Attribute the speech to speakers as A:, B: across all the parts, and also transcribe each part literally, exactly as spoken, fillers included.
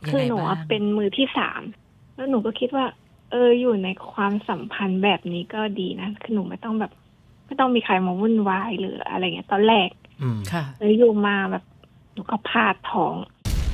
A: คือหนูเป็นมือที่สามแล้วหนูก็คิดว่าเอออยู่ในความสัมพันธ์แบบนี้ก็ดีนะคือหนูไม่ต้องแบบไม่ต้องมีใครมาวุ่นวายหรืออะไรเงี้ยตอนแรก
B: ค่ะ
A: แล้วอยู่มาแบบหนูก็พลาดท้อง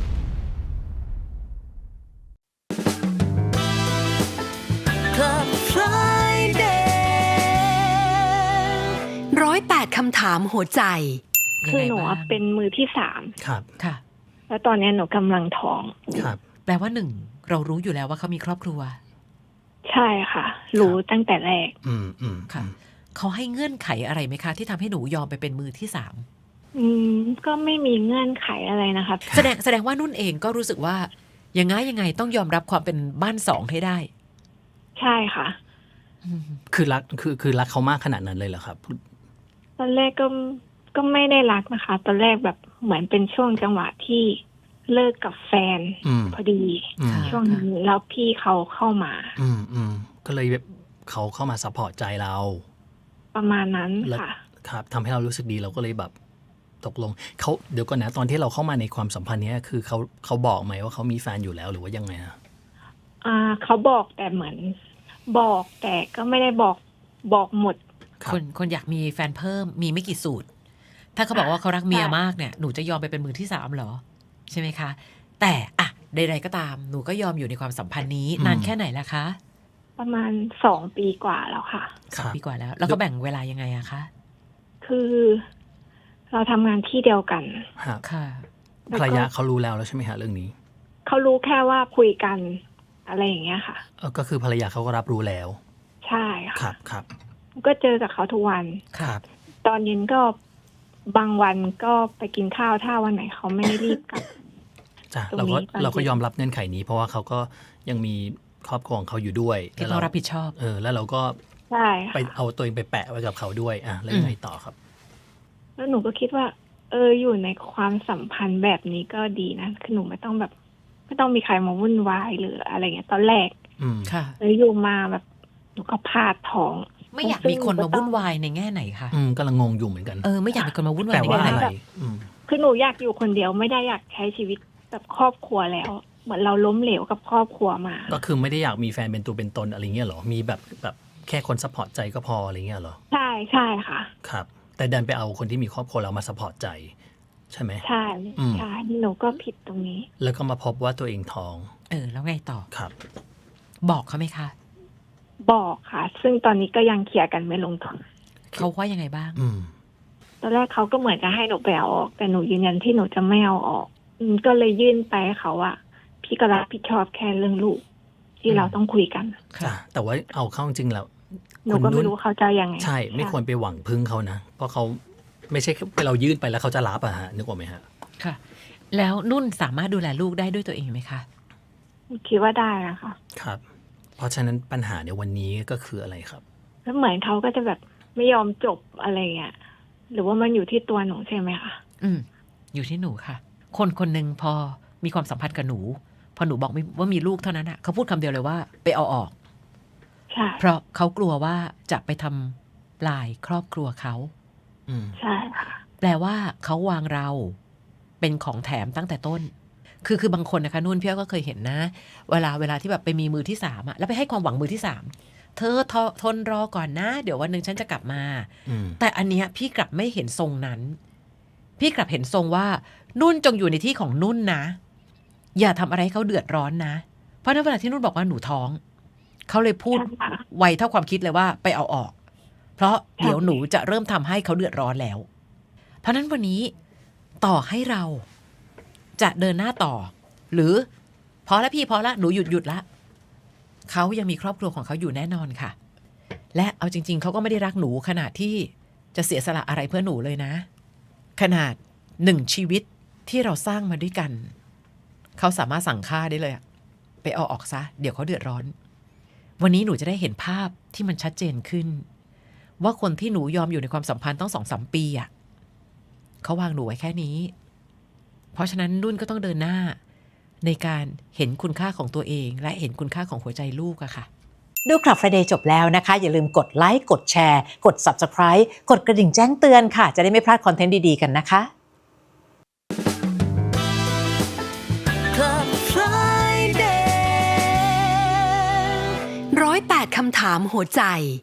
C: ร้อยแปดคำถามหัวใจ
A: คือหนูเป็นมือที่สาม
B: ครับ
A: ค่ะแล้วตอนนี้หนูกำลังท้อง
B: ครับ
D: แปลว่าหนึ่งเรารู้อยู่แล้วว่าเขามีครอบครัว
A: ใช่ค่ะรู้ตั้งแต่แรก
B: อืมอืม
D: ค่ะเขาให้เงื่อนไขอะไรไหมคะที่ทำให้หนูยอมไปเป็นมือที่สาม
A: อืมก็ไม่มีเงื่อนไขอะไรนะคะ
D: แสดงแสดงว่านุ่นเองก็รู้สึกว่ายังไงยังไงต้องยอมรับความเป็นบ้านสองให้ได้
A: ใช่ค่ะ
B: คือรักคือคือรักเขามากขนาดนั้นเลยเหรอครับ
A: ตอนแรกก็ก็ไม่ได้รักนะคะตอนแรกแบบเหมือนเป็นช่วงจังหวะที่เลิกกับแฟนพอดีช่วงนี้แล้วพี่เขาเข้ามา
B: อืมอืมก็เลยแบบเขาเข้ามาซัพพอร์ตใจเรา
A: ประมาณนั้นค่ะ
B: ครับทำให้เรารู้สึกดีเราก็เลยแบบตกลงเขาเดี๋ยวก่อนนะตอนที่เราเข้ามาในความสัมพันธ์นี้คือเขาเขาบอกไหมว่าเขามีแฟนอยู่แล้วหรือว่ายังไงนะ
A: อ่าเขาบอกแต่เหมือนบอกแต่ก็ไม่ได้บอกบอกหมด
D: คนคนอยากมีแฟนเพิ่มมีไม่กี่สูตรถ้าเขาบอกว่าเขารักเมียมากเนี่ยหนูจะยอมไปเป็นมือที่สามเหรอใช่ไหมคะแต่อะใดๆก็ตามหนูก็ยอมอยู่ในความสัมพันธ์นี้นานแค่ไหนแล้วคะ
A: ประมาณสองปีกว่าแล้วค่ะ
D: สองปีกว่าแล้วแล้วก็แบ่งเวลายังไงอะคะ
A: คือเราทำงานที่เดียวกัน
B: ค่ะภรรยาเขารู้แล้วแล้วใช่ไหมฮะเรื่องนี้
A: เขารู้แค่ว่าคุยกันอะไรอย่างเงี้ยค่ะ
B: เออก็คือภรรยาเขาก็รับรู้แล้ว
A: ใช่ค่ะ
B: ครับครับ
A: ก็เจอกับเขาทุกวัน
B: ครับ
A: ตอนเย็นก็บางวันก็ไปกินข้าวถ้าวันไหนเขาไม่ได้รีบกลับ
B: จ้ะเราก็เราก็ยอมรับเงื่อนไขนี้เพราะว่าเขาก็ยังมีครอบครัวของเขาอยู่ด้วย
D: ที่เขารับผิดชอบ
B: เออแล้วเราก็ไปเอาตัวเองไปแปะไว้กับเขาด้วยอ่ะแล้วยังไงต่อครับ
A: แล้วหนูก็คิดว่าเอออยู่ในความสัมพันธ์แบบนี้ก็ดีนะคือหนูไม่ต้องแบบไม่ต้องมีใครมาวุ่นวายหรืออะไรเงี้ยตอนแรก
D: ค่ะ
A: แล้วอยู่มาแบบหนูก็พลาดท้อง
D: ไม่อยากมีคนมาวุ่นวายในแง่ไหนคะ
B: อืมกำลังงงอยู่เหมือนกัน
D: เออไม่อยากมีคนมาวุ่นวายในแง่ไหน
A: คือหนูอยากอยู่คนเดียวไม่ได้อยากใช้ชีวิตแบบครอบครัวแล้วเหมือนเราล้มเหลวกับครอบครัวมา
B: ก็คือไม่ได้อยากมีแฟนเป็นตัวเป็นตนอะไรเงี้ยหรอมีแบบแบบแค่คนซัพพอร์ตใจก็พออะไรเงี้ยหรอ
A: ใช่ใช่ค่ะ
B: ครับแต่ดันไปเอาคนที่มีครอบครัวเรามาซัพพอร์ตใจใช่ไหม
A: ใช่ใช่หนูก็ผิดตรงนี้
B: แล้วก็มาพบว่าตัวเองท้อง
D: เออแล้วไงต่อ
B: ครับ
D: บอกเขาไหมคะ
A: บอกค่ะซึ่งตอนนี้ก็ยังเคลียร์กันไม่ลงตัว
D: เขาว่ายังไงบ้าง
B: อืม
A: ตอนแรกเขาก็เหมือนจะให้หนูไปเอาออกแต่หนูยืนยันที่หนูจะไม่เอาออกอืมก็เลยยื่นไปเขาอะพี่ก็รับผิดชอบแค่เรื่องลูกที่เราต้องคุยกัน
B: ค่ะแต่ว่าเอาเข้าจริงแล้ว
A: หนูก็ไม่รู้เขาจะยังไง
B: ใช่ไม่ควรไปหวังพึ่งเขานะเพราะเขาไม่ใช่เรายื่นไปแล้วเขาจะรับอะฮะนึกว่าไหมฮะ
D: ค่ะแล้วนุ่นสามารถดูแลลูกได้ด้วยตัวเองไหมคะ
A: คิดว่าได้นะคะ
B: ครับเพราะฉะนั้นปัญหาในวันนี้ก็คืออะไรครับ
A: แล้วเหมือนเขาก็จะแบบไม่ยอมจบอะไรเงี้ยหรือว่ามันอยู่ที่ตัวหนูใช่ไหมคะ
D: อืมอยู่ที่หนูค่ะคนคนหนึ่งพอมีความสัมพันธ์กับหนูพอหนูบอกว่ามีลูกเท่านั้นอะเขาพูดคำเดียวเลยว่าไปเอาออก
A: ใช่
D: เพราะเขากลัวว่าจะไปทำลายครอบครัวเขา
A: ใช่ค่ะ
D: แปลว่าเขาวางเราเป็นของแถมตั้งแต่ต้นคือคือบางคนนะคะนุ่นพี่ก็เคยเห็นนะเวลาเวลาที่แบบไปมีมือที่สามอะแล้วไปให้ความหวังมือที่สามเธอททนรอก่อนนะเดี๋ยววันหนึ่งฉันจะกลับมาแต่อันเนี้ยพี่กลับไม่เห็นทรงนั้นพี่กลับเห็นทรงว่านุ่นจงอยู่ในที่ของนุ่นนะอย่าทำอะไรให้เขาเดือดร้อนนะเพราะในเวลาที่นุ่นบอกว่าหนูท้องเขาเลยพูดไวเท่าความคิดเลยว่าไปเอาออกเพราะเดี๋ยวหนูจะเริ่มทำให้เขาเดือดร้อนแล้วเพราะนั้นวันนี้ต่อให้เราจะเดินหน้าต่อหรือพอแล้วพี่พอแล้วหนูหยุดหยุดละเขายังมีครอบครัวของเขาอยู่แน่นอนค่ะและเอาจริงๆเขาก็ไม่ได้รักหนูขนาดที่จะเสียสละอะไรเพื่อหนูเลยนะขนาดหนึ่งชีวิตที่เราสร้างมาด้วยกันเขาสามารถสั่งฆ่าได้เลยไปเอาออกซะเดี๋ยวเขาเดือดร้อนวันนี้หนูจะได้เห็นภาพที่มันชัดเจนขึ้นว่าคนที่หนูยอมอยู่ในความสัมพันธ์ต้องสองสามปีอ่ะเขาวางหนูไว้แค่นี้เพราะฉะนั้นนุ่นก็ต้องเดินหน้าในการเห็นคุณค่าของตัวเองและเห็นคุณค่าของหัวใจลูกอะค่ะ
C: ดูคลับ Friday จบแล้วนะคะอย่าลืมกดไลค์กดแชร์กด Subscribe กดกระดิ่งแจ้งเตือนค่ะจะได้ไม่พลาดคอนเทนต์ดีๆกันนะคะ
E: Friday ร้อยแปดคำถามหัวใจ